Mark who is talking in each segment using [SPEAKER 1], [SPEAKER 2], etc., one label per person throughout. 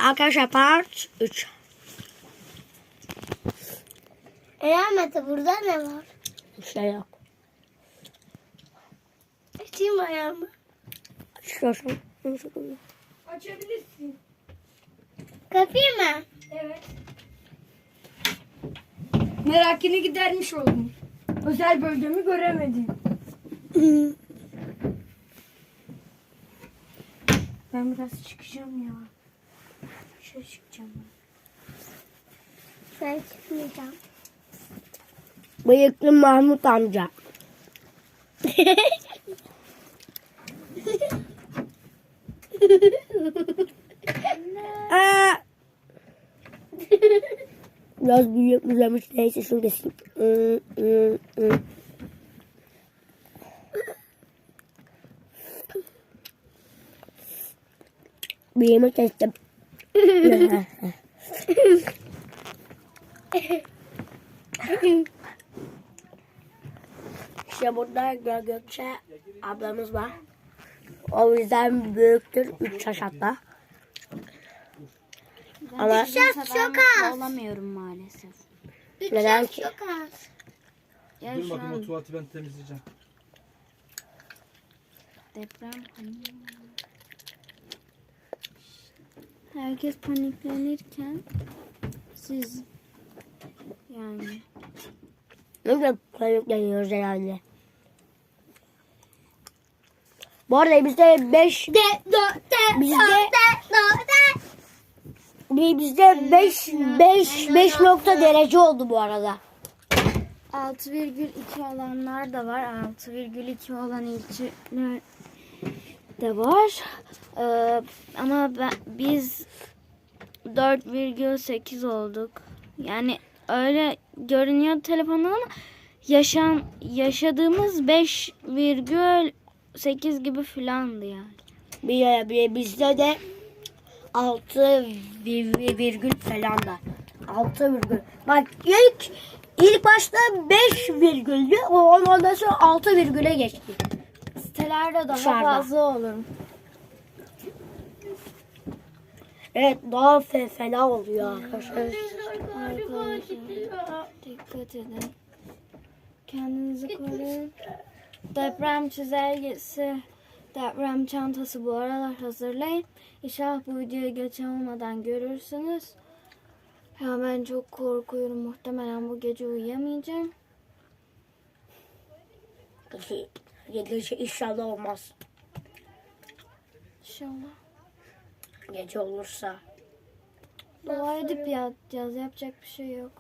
[SPEAKER 1] Arkadaşlar part 3.
[SPEAKER 2] Mete burada ne var?
[SPEAKER 1] Bir şey yok.
[SPEAKER 2] Açayım ayağımı.
[SPEAKER 1] Açıyorsun.
[SPEAKER 3] Açabilirsin.
[SPEAKER 2] Kapayım mı?
[SPEAKER 3] Evet. Merakını gidermiş oldum. Özel bölgemi göremedim. Ben biraz çıkacağım ya. Şöyle çıkacağım ben.
[SPEAKER 2] Ben çıkmayacağım.
[SPEAKER 1] Bıyıklı Mahmut amca. Aa! Biraz büyük uzamış. Neyse şunu keseyim. Bıyığımı kestim. İşte burada Gökçe ablamız var. O yüzden büyüktür. 3 yaş hatta. Ama
[SPEAKER 2] Yaş çok az.
[SPEAKER 4] Olamıyorum maalesef.
[SPEAKER 1] neden
[SPEAKER 2] Yaş
[SPEAKER 1] ki?
[SPEAKER 2] çok az.
[SPEAKER 4] Ya
[SPEAKER 5] Dur
[SPEAKER 4] şu
[SPEAKER 5] bakayım o
[SPEAKER 4] an
[SPEAKER 5] tuvaleti ben temizleyeceğim.
[SPEAKER 4] deprem herkes paniklenirken siz yani
[SPEAKER 1] Ne kadar panikleniyoruz herhalde. Bu arada bizde 5 bizde 5 nokta derece oldu bu arada.
[SPEAKER 4] 6,2 olanlar da var. 6,2 olan ilçeler de var. Ama biz 4,8 olduk. Yani öyle görünüyor telefondan ama yaşadığımız 5,8 gibi filandı yani.
[SPEAKER 1] Bizde de 6 virgül falan da. 6 virgül. Bak ilk başta 5 virgüldü. Ondan sonra 6 virgüle geçti.
[SPEAKER 4] Sitelerde daha
[SPEAKER 1] Dışarıda.
[SPEAKER 4] fazla olur.
[SPEAKER 1] Evet daha fena oluyor arkadaşlar.
[SPEAKER 4] Dikkat edin. Kendinizi koruyun. Deprem çizelgesi, deprem çantası bu aralar hazırlayın. İnşallah bu videoyu geç olmadan görürsünüz. Ya ben çok korkuyorum. Muhtemelen bu gece uyuyamayacağım.
[SPEAKER 1] Gece inşallah olmaz.
[SPEAKER 4] İnşallah.
[SPEAKER 1] Gece olursa.
[SPEAKER 4] Dua edip yatacağız. Yapacak bir şey yok.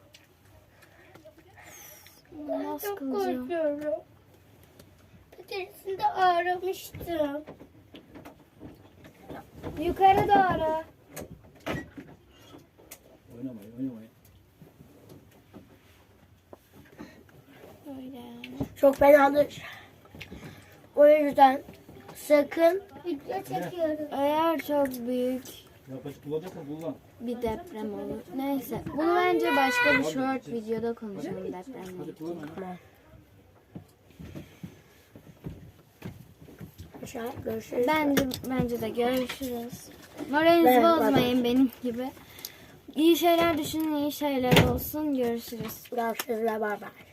[SPEAKER 4] Nasıl
[SPEAKER 2] Çok
[SPEAKER 4] kılacağım?
[SPEAKER 2] korkuyorum. Patatesin aramıştım.
[SPEAKER 4] Yukarı doğru.
[SPEAKER 5] Oynamayın.
[SPEAKER 4] Öyle yani.
[SPEAKER 1] Çok fenadır. O yüzden sakın
[SPEAKER 2] Video çekiyorum.
[SPEAKER 4] Eğer çok büyük
[SPEAKER 5] Yaklaşık kullanacaksan kullan.
[SPEAKER 4] bir deprem olur. Neyse. Bunu bence başka bir short videoda konuşalım depremle.
[SPEAKER 5] Hadi kullan.
[SPEAKER 1] görüşürüz.
[SPEAKER 4] Bence de görüşürüz. Moralinizi
[SPEAKER 1] Evet,
[SPEAKER 4] bozmayın benim gibi. İyi şeyler düşünün, iyi şeyler olsun. Görüşürüz.
[SPEAKER 1] Görüşürüz. Bay bay.